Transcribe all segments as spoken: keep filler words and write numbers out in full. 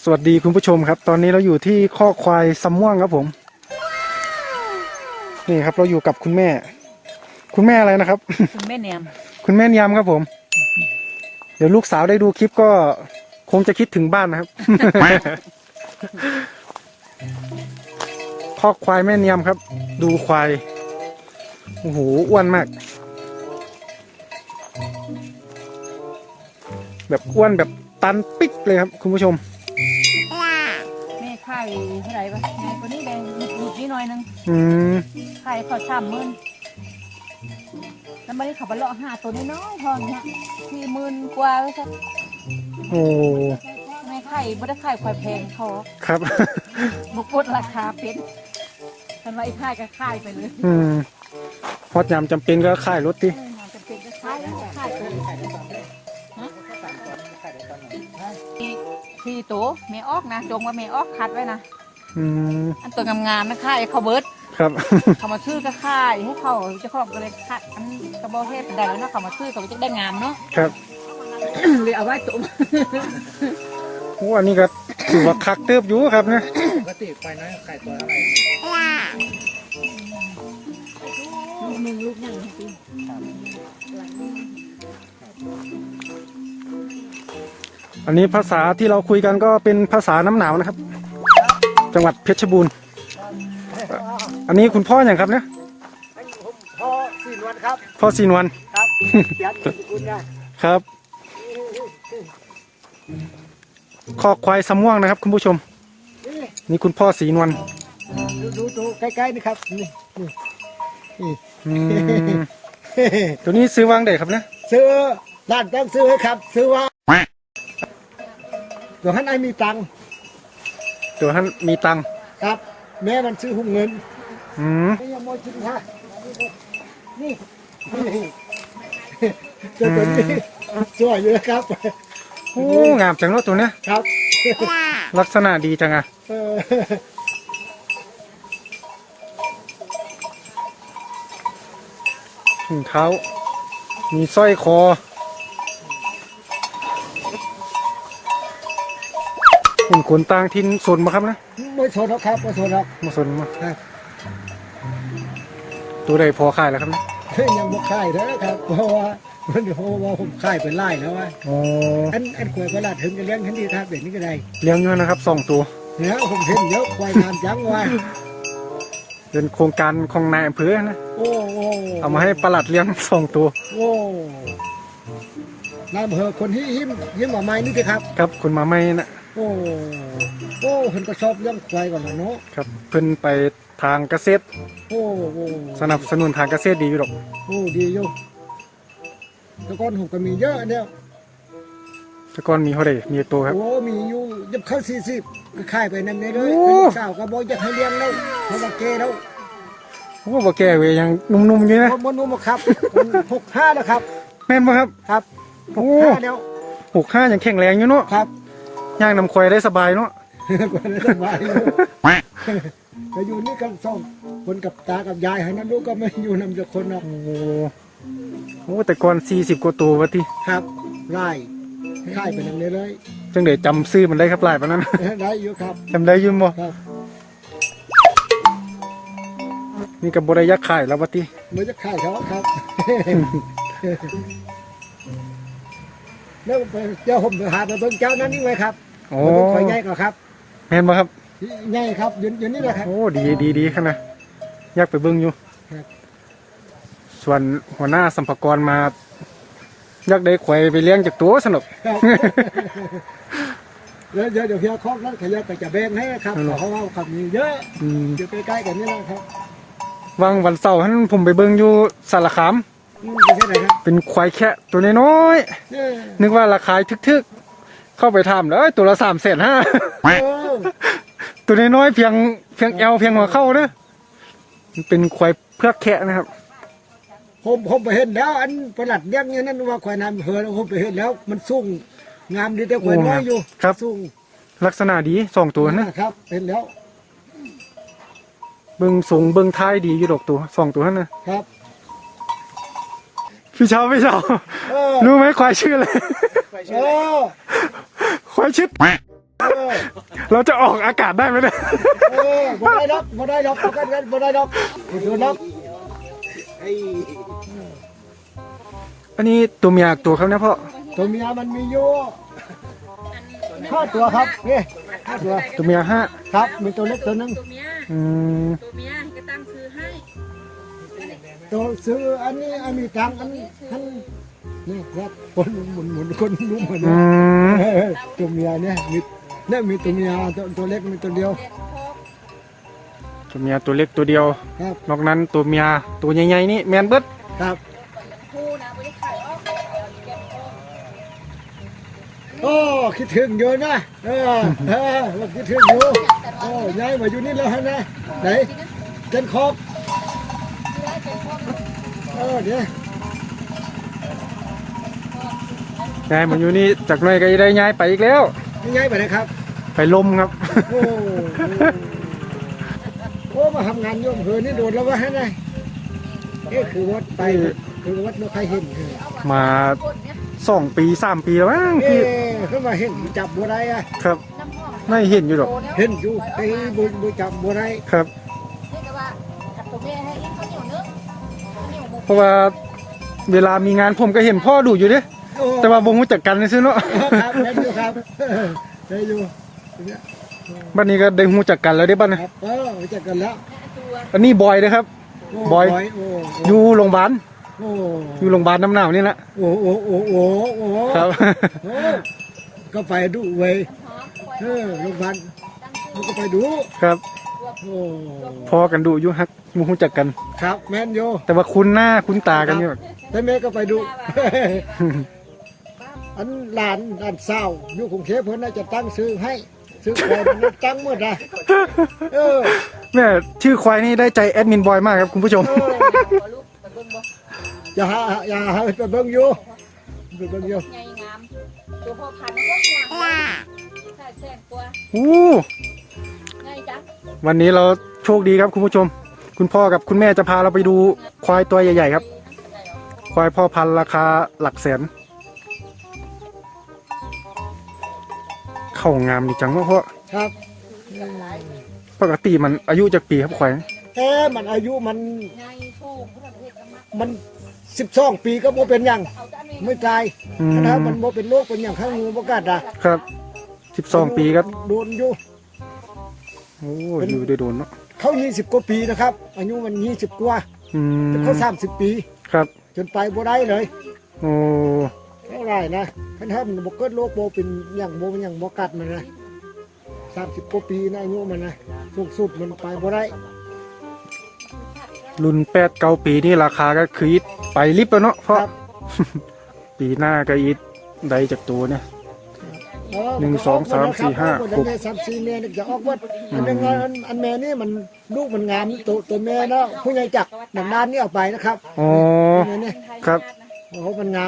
สวัสดีคุณผู้ชมครับตอนนี้เราอยู่ที่คอกควายสำม่วงครับผมนี่ครับเราอยู่กับคุณแม่ คุณแม่อะไรนะครับคุณแม่เนียมคุณแม่เนียมครับผมเดี๋ยวลูกสาวได้ดูคลิปก็คงจะคิดถึงบ้านนะครับ คอกควายแม่เนียมครับ ดูควายโอ้โหอ้วนมากแบบอ้วนแบบตันปิ๊กเลยครับคุณผู้ชมแม่ไข่เท่าไหร่ปะแม่คนนี้แดงหยุดนิดหน่อยนึงอืมไข่เขาสามหมื่นแล้วมาได้ขับไปเลาะห้าตัวน้อยๆพอเนี่ยสี่หมื่นกว่าแล้วใช่โอ้แม่ไข่ไม่ได้ไข่ควายแพงเขาครับบุกปดราคาเป็นทันว่าไอ้ไข่ก็ไข่ไปเลยอืมพอจำจำเป็นก็ขายรถดิจะเป็นก็ไข่แล้วไข่ไปสี่ตัวแม่ออกนะจงว่าแม่ออกคัดไว้นะอืมอันตัวงามๆนะไข่เขาเบิร์ดครับเขามาชื่อก็ค่ายให้เขาเจะของก็เลยค่ายอันกระบอกเทศได้แล้วเนาะเขามาชื่อเขาจะได้งามเนาะครับเลยเอาไว้ตุ่มโอ้อันนี้ก็ถือว่าคักเติบอยู่ครับนะปกติควายน้อยไข่ตัวเท่าไหร่ลูกหนึ่งลูกหนึ่งจริงอันนี้ภาษาที่เราคุยกันก็เป็นภาษาน้ำหนาวนะครับ จังหวัดเพชรบูรณ์อันนี้คุณพ่ออย่างครับเนี่ยพ่อสี่นวลครับพ่อซีนวันครับเสียงคุณนะครับคอกควายสำม่วงนะครับคุณผู้ชมนี่นี่คุณพ่อสีนวลดูดูดูใกล้ๆนี่ครับนี่นี่นี่อืมตัวนี้ซื้อวางเด็กครับเนี่ยซื้อร้านต้องซื้อให้ครับ ซื้อว่าตัวท่านไอ้มีตังค์ตัวท่านมีตังค์ครับ แม่มันซื้อหุ้มเงินอืมไม่ยังโมจินค่ะนี่นี่ตัวตัวนี้สวยอยู่นะครับโอ้งามจังเลยตัวเนี้ยครับลักษณะดีจังอะเออถุงเท้า มีสร้อยคอเห็นขนต่างทินสนมาครับนะไม่ชนหรอกครับไม่ชนหรอกมาสนมาครับตัวใดพอขายแล้วครับนะยังบ่ค่ายเด้อครับเพราะว่ามันเพราะว่าผมค่ายเป็นไล่แล้วว่าโอ้อันอันควายประหลาดถึงจะเลี้ยงทันทีครับเด็กนี้ก็ได้เลี้ยงเยอะนะครับสองตัวแล้วผมเห็นเยอะควายงามจังว่าเป็นโครงการของนายอำเภอนะโอ้โอ้เอามาให้ประหลัดเลี้ยงสองตัวโอ้นายอำเภอคนที่ยิ้มยิ้มออกมานี่สิครับครับคุณมาไม่นะโอ้โอ้เห็นก็ชอบเลี้ยงควายก่อนเนาะครับเพิ่นไปทางเกษตรโอ้โอ้สนับสนุนทางเกษตรดีอยู่หรอกโอ้ดีอยู่แต่ก่อนผมก็มีเยอะเนี่ยแต่ก่อนมีเท่าไหร่มีตัวครับโอ้มีอยู่ยับเข้าสี่สิบก็ค่ายไปนั่นเลยเลยโอ้สาวก็บอกอยากให้เลี้ยงแล้วเพราะว่าเกแล้วโอ้บ่แก่เวยยังหนุ่มๆอยู่นะผมมันนุ่มครับหกห้าแล้วครับแม่นบ่ครับครับหโอ้กห้าแล้วหกห้ายังแข็งแรงอยู่เนาะครับย่างนำควายได้สบายเนาะก็เลยสบายอยู่แต่อยู่นี่กันสองคนกับตากับยายให้นั้นลูกก็ไม่อยู่นำจากคนหรอกโอ้โหแต่ก่อนสี่สิบกว่าตัววะที่ครับไล่ค่ายไปนั่นเลยเลยจังเดี๋ยวจำซื้อมันได้ครับหลายปานนั้นได้อยู่ครับจำได้อยุ่บ่ครับนี่กับบริยักษ์ขายแล้ววะที่เมื่อจะค่ายเขาครับแล้วไปเจ้าผมไปหาไปเบิ่งเจ้านั้นนี่ไว้ครับโอ้ไปเบิ่งควายใหญ่ก่อนครับแม่นบ่ครับใหญ่ครับยืนยืนนี่แหละครับโอ้ดีดีดีขนาดอยากไปเบิ่งอยู่ครับส่วนหัวหน้าสัมภากรมาอยากได้ควายไปเลี้ยงจากตัวสนุกครับเดี๋ยวเดี๋ยวเดี๋ยวเพียคอกนั้นขยับไปจะแบ่งให้ครับเพราะว่าเขามีเยอะอืมอยู่ใกล้ๆกันนี่แหละครับวังวันเสาร์ท่านผมไปเบิ่งอยู่สารคามอืมไม่ใช่ไหนครับเป็นควายแค่ตัวน้อยเออๆนึกว่าราคาทึกๆ เข้าไปทำแล้วตัวละสามแสนห้าเออตัวน้อยๆเพียงเพียงเอวเพียงหัวเข้าเด้อมันเป็นควายเพือกแค่นะครับผมผมไปเห็นแล้ว อันประหลัดเลี้ยงอย่างนั้นว่าควายน้ำเหือผมไปเห็นแล้ว มันสูงงามดีแต่ควายน้อยอยู่ครับสูงลักษณะดีสองตัวนะครับเห็นแล้วเบิ่งสูงเบิ่งท้ายดีอยู่ดอกตัวสองตัวนั่นนะครับ พี่เช้าพี่เช้าเออรู้ไหมควายชื่ออะไรเออควายชื่อเออเราจะออกอากาศได้ไหมเนี่ยเออบ่ได้ดอกบ่ได้ดอกบ่กันกันบ่ได้ดอกบ่ได้ดอกอันนี้ตัวเมียตัวครับเนี่ยพ่อตัวเมียมันมีอยู่ห้าตัวครับนี่ห้าตัวตัวเมียห้าครับมีตัวเล็กตัวหนึงตัวเมียอืมตัวเมียก็ตั้งชื่อให้ตัวซื้ออันนี้อันนี้ตังอันนี้อันนี่ครับคนหมุนหมุนคนรู้เหมือนอืมตัวเมียเนี่ยมีเนี่ยมีตัวเมียตัวตัวเล็กมีตัวเดียวตัวเมียตัวเล็กตัวเดียวครับนอกนั้นตัวเมียตัวใหญ่ๆนี่แมนเบิดครับคู่นะไม่ได้ขายออกเก็บออกโอ้คิดถึงอยู่นะเออเออว่าคิดถึงอยู่โอ้ย้ายมาอยู่นี่แล้วฮะนะไหนเจนคอบเออเดี๋ยวย้ายมาอยู่นี่จากหน่อยก็จะได้ย้ายไปอีกแล้วนี่ย้ายไปไหนครับไปลมครับโอ้โอ้มาทำงานโยมเฮือนี่โดดแล้ววะฮะนะเอ๊ะคือวัดไปคือวัดนกใครเห็นเออมาสองปีสามปีแล้วมั้งเอ๊พี่ะเขามาเห็นจับบัวได้อะครับไม่เห็นอยู่หรอกเห็นอยู่ไอ้บุบุจับบัวได้ครับนี่ก็ว่าจับตัวเมียให้อีกเขาเหนียวเนื้อเหนียวหมูเพราะว่าเวลามีงานผมก็เห็นพ่อดูอยู่เด้โอ้แต่ว่าบ่รู้จักกันซื่อเนาะครับได้อยู่ครับได้อยู่เนี่ยบัดนี้ก็ได้รู้จักกันแล้วเด้บัดคนี้รับเออรู้จักกันแล้วตัวอันนี้บอยนะครับโบอยโอ้อยู่โรงพยาบาลโอ้อยู่โรงพยาบาลน้ำหนาวนี่แหละโอ้โอ้โอ้โอ้โอ้ครับโอ้ก็ไปดูเว้ยหอมปล่อยเออโรงพยาบาลตั้งชื่อมันก็ไปดูครับโอ้พอกันดูอยู่ฮักบ่รู้จักกันครับแมนโยแต่ว่าคุ้นหน้าคุ้นตากันอยู่แต่แม่ก็ไปดู อันหลานหลานสาวอยู่กรุงเทพเพิ่นน่าจะตั้งซื้อให้ซื้อใครมันตั้งหมดอ่ะเออแม่ชื่อควายนี่ได้ใจแอดมินบอยมากครับคุณผู้ชมเออลูกไปเบิ่งบ่อย่าหาอย่าหาไปเบิ่งอยู่ไปเบิ่งอยู่ไงงามตัวพ่อพันธุ์ก็งามถ้าแช่งตัวอู้ไงจ๊ะวันนี้เราโชคดีครับคุณผู้ชม คุณพ่อกับคุณแม่จะพาเราไปดูควายตัวใหญ่ๆครับ ควายพ่อพันธุ์ราคาหลักแสน เข้างามดีจังวะพ่อครับปกติมันอายุจากปีครับควายแต่มันอายุมันไงถูกพุทธประเทศกรรมะมันสิบสองปีก็บ่เป็นหยังเอาจ้านี่ไม่ตายอืมนะครับมันบ่เป็นโรคเป็นหยังข้างงูบ่กัดอ่ะครับสิบสองปีครับโดนอยู่โอ้อยู่ได้โดนเนาะเขายี่สิบกว่าปีนะครับ อายุมันยี่สิบกว่าอืมเขาสามสิบปีครับจนไปบ่ได้เลยโอ้เท่าไหร่นะคันถ้ามันบ่เกิดโรคบ่เป็นหยังบ่เป็นหยังบ่กัดมันนะสามสิบกว่าปีนะอายุมันนะสูงสุดมันไปบ่ได้รุ่นแปดเก้าปีนี่ราคาก็คืออีทไปลิบแล้วเนาะเพราะครับปีหน้าก็อีทได้จากตัวเนี่ยเออหนึ่งสองสามสี่ห้าหหกกสามสี่เมตรจะออกวัดอันนึงอันอันแม่นี่มันลูกมันงามตัวตัวแม่เนาะผู้ใหญ่จักหนังด้านนี่เอาไปนะครับอ๋อแม่นี่ครับโอ้โหมันงาม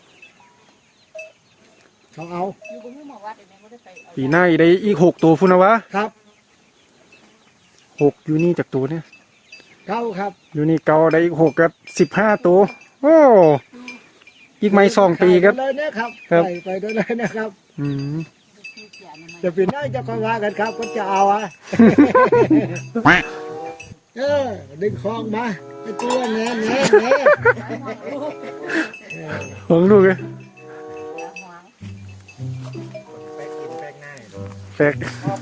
เขาเอาอยู่บนหมู่วัดเดี๋ยวแม่ก็ได้ไปเอาปีหน้าอีกได้อีกหกตัวพุ่นนะวะครับหกอยู่นี่จากตัวเนี่ยเขาครับอยู่นี่เกาได้อีกหกก็สิบห้าตัวโอ้อีกไม่สองปีครับไปเลยนะครับครับไปไปด้วยเลยนะครับอืมจะเป็นได้จะคอยว่ากันครับก็จะเอาอ่ะ เออดึงคองมาไอ้ตัวแง่แง่แง่หวงลูกเลยแปลก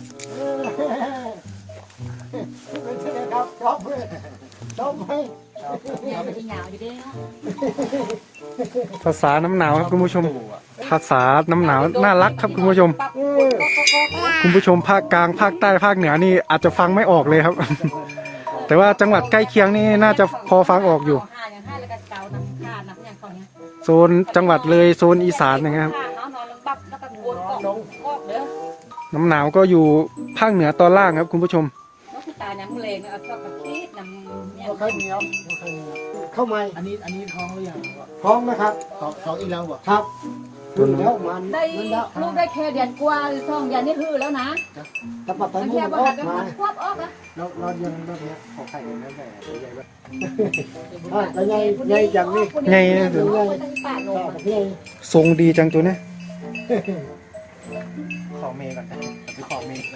เป็นใช่ไหมครับชอบไหมชอบไหมเนี่ยมันจะหยาวอยู่เด้เนาะภาษาน้ำหนาวครับคุณผู้ชม ภาษาน้ำหนาวน่ารักครับคุณผู้ชมปักปุ๊บปุ๊บปุ๊บปุ๊บคุณผู้ชมภาคกลางภาคใต้ภาคเหนือนี่อาจจะฟังไม่ออกเลยครับ แต่ว่าจังหวัดใกล้เคียงนี่น่าจะพอฟังออกอยู่ห้าอย่างห้าแล้วก็เกาน้ำขาดน้ำอย่างเขาเนี่ยโซนจังหวัดเลยโซนอีสานนะครับขาดเนาะนอนลงปับแล้วก็กวนกอกกอกเด้อน้ำหนาวก็อยู่ภาคเหนือตอนล่างครับคุณผู้ชมน้องพี่ตายน้ำเลงเอาชอบกระคิดน้ำเนี่ยเอาข้าวเหนียวเอาข้าวเหนียวเข้ามาอันนี้อันนี้ท้องหรือยังท้องนะครับท้องท้องอีกแล้วบ่ครับดูแล้วมันได้มันแล้วลูกได้แค่เดือนกว่าหรือสองเดือนนี่คือแล้วนะตะปัดตะมันมูแค่มันบ่ออหักกกันมาควบออกอะเราเรายังเราเนี้ยขอไข่กันแล้วแต่ใหญ่แบบอ่าแต่ใหญ่ใหญ่อย่างนี้ไงเดี๋ยวเราไปทางป่าลงต่อมาเพื่อทรงดีจังตัวเนี้ยเขอเมย์ก่อนนะไปขอเมย์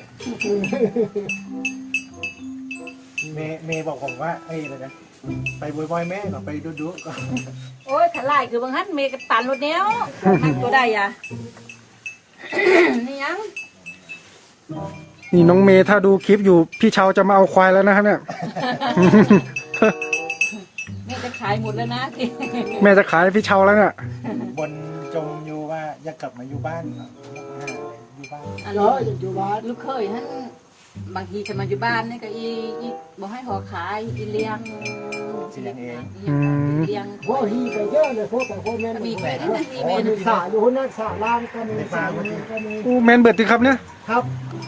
เมย์เมย์บอกผมว่าเอ้ยอะไรนะไปบอยบอยแม่ก่อนไปดูดูก่อนโอ้ยขลายคือบางฮั่นเมกับตันรถเนี้ยนั่งตัวได้อ่ะ นี่ยังนี่น้องเมย์ถ้าดูคลิปอยู่พี่เชาจะมาเอาควายแล้วนะครับเนี่ยแม่จะขายหมดแล้วนะแม่จะขายให้พี่เชาแล้วเนี่ยบนจมอยู่ว่าอยากกลับมาอยู่บ้านอยากมาหาอยู่บ้านอันเยนี้อะอยู่บ้านลูกเคยฮั่นบางทีจะมาอยู่บ้านนี่ก็อีอีบอกให้หอขายอีเลี้ยงเลี้ยงพวกฮีไปเยอะเลยพวกแต่พวกแม่มีไปได้นะมีโอ้เมมีนสาอยู่นั่นสาล่างก็มีสาอยู่นี่ก็มีอู้แมนเบิดดีครับเนี่ยครับ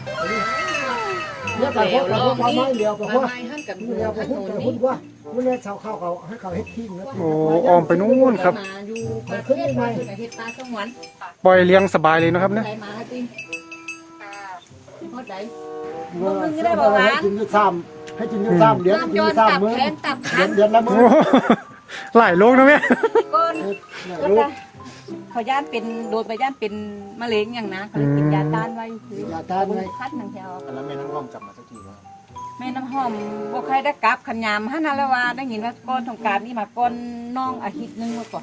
เนี่ยแต่พวกแต่พวกไม้เดียวกับพวกไม้ฮั่นกับเดียวกับพวกแต่พวกว่าวันนี้ชาวข้าวเขาให้เขาเฮ็ดทิ้งนะโอ้ออมไปนู่นครับมาอยู่ประเทศไทยเฮ็ดปลาสงวนปล่อยเลี้ยงสบายเลยนะครับเนี่ยไหนมาจริงหมดไหนให้กินอยู่ซ้ำให้กินอยู่ซ้ำเดี๋ยวกินอยู่ซ้ำมื้อแขนตับขันเดือนละมื้อโอ้หลายโลกนะแม่ก้นลูกเขาย่านเป็นโดนไปย่านเป็นมะเร็งอย่างนะเขาเลยกินยาต้านไว้คือยาต้านไว้คัดหนังแถวแล้วแม่น้ำหอมกลับมาสักทีว่าแม่น้ำหอมบ่ใครได้กลับขันยามฮั่นนั่นแล้วว่าได้ยินว่าก้อนสงกรารนี่มาก้อนน้องอาทิตย์นึงมาก่อน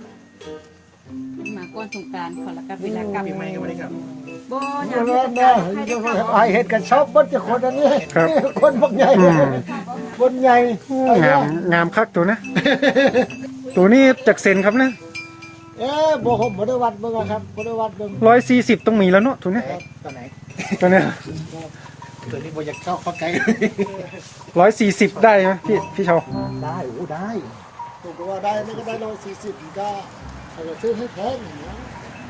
มาก้อนสงกรารเขาละกันเวลากลับปีใหม่ก็ไม่ได้กลับบ่อเยากนี่ให้ยใครได้กลับไอเห็ดกันชอบเบิ้จะคนอันนี้ครับคนพวกใหญ่อืมคนใหญ่งามงามคักตัวนะ ตัวนี้จากเซนครับนะเอ๊ะบ่ผมบ่ได้วัดเบิ่งอะครับบ่ได้วัดเบิ่งร้อยสี่สิบต้องมีแล้วเนาะตัวเนี้ยตอนไหนตัวเนี้ยตัวนี้โบอยากเข้าเข้าใกล้ร้อยสี่สิบได้ไหมพี่พี่เชาได้โอ้ได้ผมก็ว่าได้นี่ก็ได้ร้อยสี่สิบก็เขาจะซื้อให้แพงอย่างเงี้ย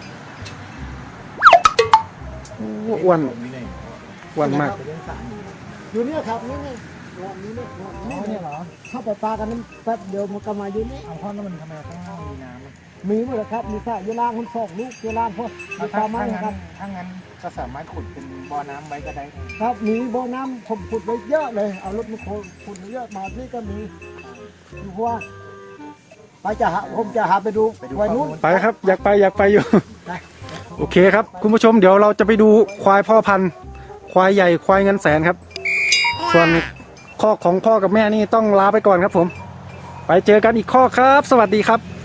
อ้วนมีไหนอ้วนมากเรื่องสารอยู่เนี่ยครับนี่นี่รอบนี้นี่รอบอ๋นี้อเนี่ยเหรอเข้าไปปลากันนั้นแป๊บเดียวมันก็มาอยู่นี่เอาข้อนั้นมันทำไมข้างล่างมีน้ำมีหมดเลยครับมีสระอยู่ล่างคนสองลูกอยู่ล่างพวกมีปถ้าลาไม้ถ้าคงั้รับนถ้างั้นก็สามารถขุดเป็นบ่อน้ำไว้ก็ได้ครับมีบ่อน้ำผมขุดไว้เยอะเลย เอารถมาขุดไว้เยอะมาที่ก็มีอยู่เพราะว่าไปจะหาผมจะหาไปดูไว้นู้นไปครับ อยากไปอยากไปอยู่ โอเคครับ คุณผู้ชมเดี๋ยวเราจะไปดูควายพ่อพันธุ์ ควายใหญ่ควายเงินแสนครับ ส่วนข้อของพ่อกับแม่นี่ต้องลาไปก่อนครับผม ไปเจอกันอีกข้อครับ สวัสดีครับ